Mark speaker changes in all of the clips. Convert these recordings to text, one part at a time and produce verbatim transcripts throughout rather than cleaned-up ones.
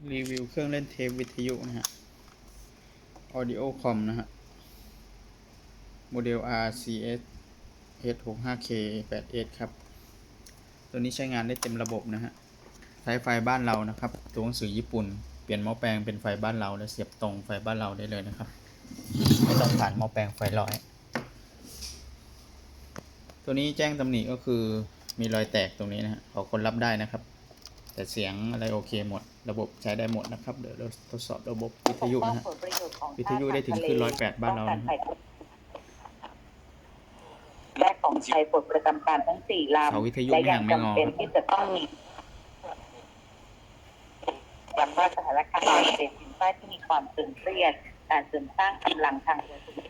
Speaker 1: รีวิวเครื่องเล่นเทปวิทยุนะฮะ Audiocom นะฮะ โมเดล อาร์ ซี เอส เอช หกสิบห้า เค แปด เอส ครับ ตัวนี้ใช้งานได้เต็มระบบนะฮะ ใช้ไฟบ้านเรานะครับ ตัวหนังสือญี่ปุ่น เปลี่ยนหม้อแปลงเป็นไฟบ้านเราแล้วเสียบตรงไฟบ้านเราได้เลยนะครับ ไม่ต้องผ่านหม้อแปลงไฟร้อย ตัวนี้แจ้งตำหนิก็คือมีรอยแตกตรงนี้นะฮะขอคนรับได้นะครับ แต่เสียงอะไรโอเคหมด ระบบใช้ได้หมดนะครับ เดี๋ยวเราทดสอบระบบวิทยุนะฮะ วิทยุได้ถึงขึ้นร้อยแปดบ้านเรานะ
Speaker 2: และของใช้ปลดประจำการทั้งสี่ลำและยังจำเป็นที่จะต้องมีย้ำว่าสถานการณ์การเป็นสินค้าที่มีความตึงเครียดการเสริมสร้างกำลังทางธุรกิจ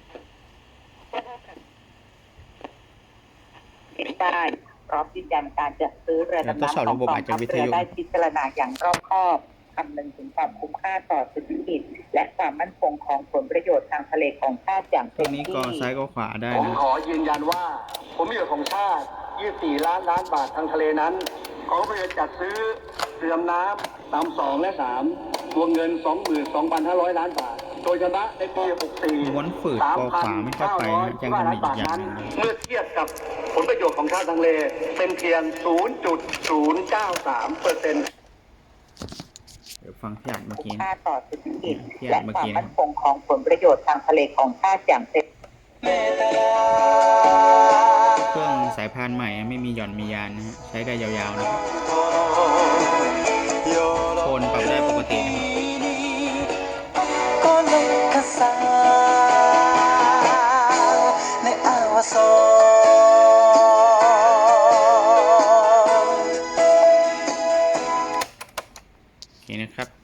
Speaker 2: ได้พร้อมยืนยันการจัดซื้อเรือดำน้ำของกองทัพเรือได้พิจารณาอย่างรอบคอบคำนึงถึงความคุ้มค่าต่อเศรษฐกิจและความมั่นคงของผลประโยชน์ทางทะเลของชาติอย่างเต็มที่
Speaker 1: นี้ก็ซ้ายก็ขวาได้
Speaker 3: ผมขอยืนยันว่าผลประโยชน์ของชาติยี่สิบสี่ล้านล้านบาททางทะเลนั้นกองทัพเรือจัดซื้อเรือดำน้ำลำสองและสามวงเงิน สองหมื่นสองพันห้าร้อย ล้านบาทโดยชนะในปีหกสิบสี่
Speaker 1: ม้วนฝืดคอขวาไม่เข้าไปนะแจ้งตำหนิอีกอย่างนึง
Speaker 3: เมื่อเทียบกับผลประโยชน์ของชาติทางทะเลเป็นเพียง ศูนย์จุดศูนย์เก้าสาม เปอร์เซ็นต์
Speaker 1: เดี๋ยวฟังที่อ่านเมื่อกี้
Speaker 2: ค่าต่อเศรษฐกิจและความมั่นคงของผลประโยชน์ทางทะเลของชาติอย่างเต็ม
Speaker 1: เครื่องสายพานใหม่ไม่มีหย่อนมียานนะฮะใช้ได้ยาวๆนะครับโทนปรับได้ปกตินะครับโอเคนะครับ